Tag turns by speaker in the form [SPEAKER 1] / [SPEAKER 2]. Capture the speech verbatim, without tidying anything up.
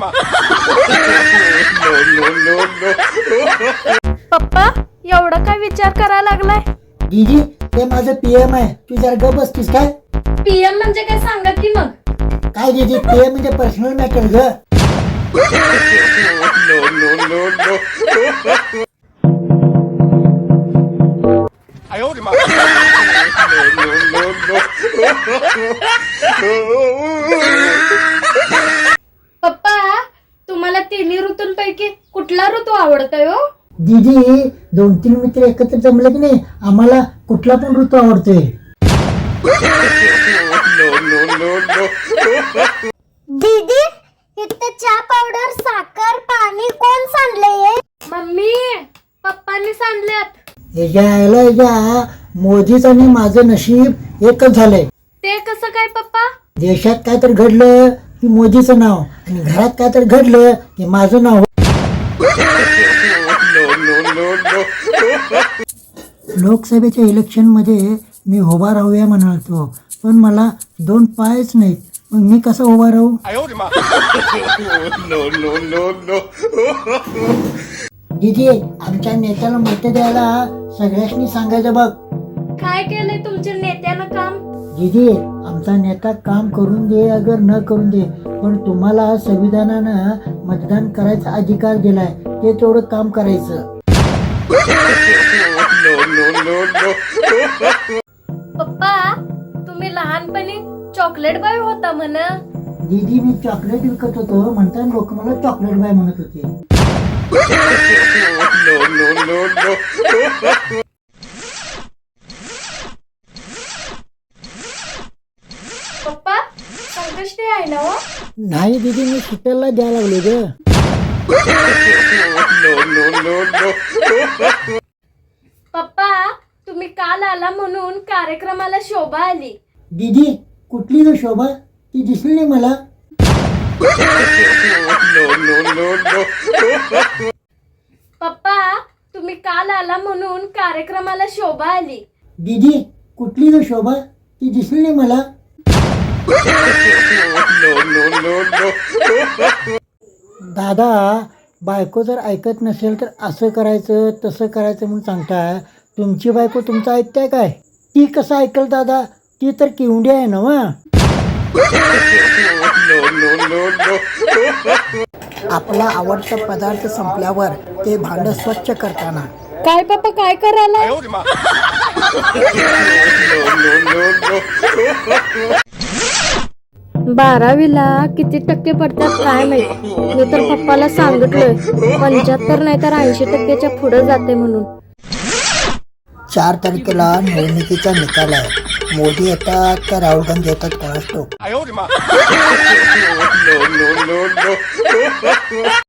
[SPEAKER 1] पप्पा एवढा काय विचार करायला लागलाय?
[SPEAKER 2] दीदी ते माझं पीएम आहे, तू जरा ग बसतीस काय?
[SPEAKER 1] पीएम म्हणजे काय सांगा की मग.
[SPEAKER 2] काय दीदी पीएम म्हणजे पर्सनल मॅटर ग.
[SPEAKER 1] पप्पा तुम्हाला तिन्ही ऋतूंपैकी कुठला ऋतू आवडतोय हो?
[SPEAKER 2] दीदी दोन तीन मित्र एकत्र जमले की नाही आम्हाला कुठला पण ऋतू आवडतोय.
[SPEAKER 3] दीदी इथे चहा पावडर साखर पाणी कोण सांडले?
[SPEAKER 1] मम्मी पप्पांनी सांडल्यात.
[SPEAKER 2] याच्या आयला याच्या मोदीच आणि माझं नशीब एकच झालंय.
[SPEAKER 1] ते कसं काय पप्पा?
[SPEAKER 2] देशात काय तर घडलं की मोदीचं नाव आणि घरात काय तर घडलं की माझं नाव. लोकसभेच्या इलेक्शन मध्ये मी उभा राहूया म्हणालतो पण मला दोन पायच नाहीत, मग मी कसा उभा राहू? दीदी आमच्या नेत्याला मत द्यायला सगळ्यांनी सांगायचं बघ.
[SPEAKER 1] काय केलंय तुमच्या नेत्यानं काम?
[SPEAKER 2] दीदी आमचा नेता काम करून दे अगर न करून दे पण तुम्हाला संविधानानं मतदान करायचा अधिकार दिलाय, ते तेवढं काम करायचं.
[SPEAKER 1] पप्पा तुम्ही लहानपणी चॉकलेट बॉय होता म्हण.
[SPEAKER 2] दीदी मी चॉकलेट विकत होतो म्हणताना लोक मला चॉकलेट बाय म्हणत होते.
[SPEAKER 1] पप्पा संकष्टी आहे ना हो?
[SPEAKER 2] नाही दीदी मी शीतलला द्यायला लागले ग.
[SPEAKER 1] पप्पा तुम्ही काल आला म्हणून कार्यक्रमाला शोभा आली.
[SPEAKER 2] दीदी कुठली ग शोभा? ती दिसली नाही मला.
[SPEAKER 1] पप्पा तुम्ही काल आला म्हणून कार्यक्रमाला शोभा आली.
[SPEAKER 2] दीदी कुठली ग शोभा? ती दिसली नाही मला. दादा बायको जर ऐकत नसेल तर असं करायचं तसं करायचं म्हणून सांगताय, तुमची बायको तुमचं ऐकताय काय? ती कसं ऐकल दादा? ती तर किवडी आहे ना वा. आपला आवडता पदार्थ संपल्यावर ते भांड स्वच्छ करताना
[SPEAKER 1] काय पप्पा काय करायला? बारावीला किती टक्के पडतात काय माहिती. मी तर पप्पाला सांगितलंय पंच्याहत्तर नाही तर ऐंशी टक्क्याच्या पुढे जाते म्हणून.
[SPEAKER 2] चार तारखेला निवडणुकीचा निकाल आहे. मोदी येतात का राहुल गांधी येतात कोणास ठाऊक.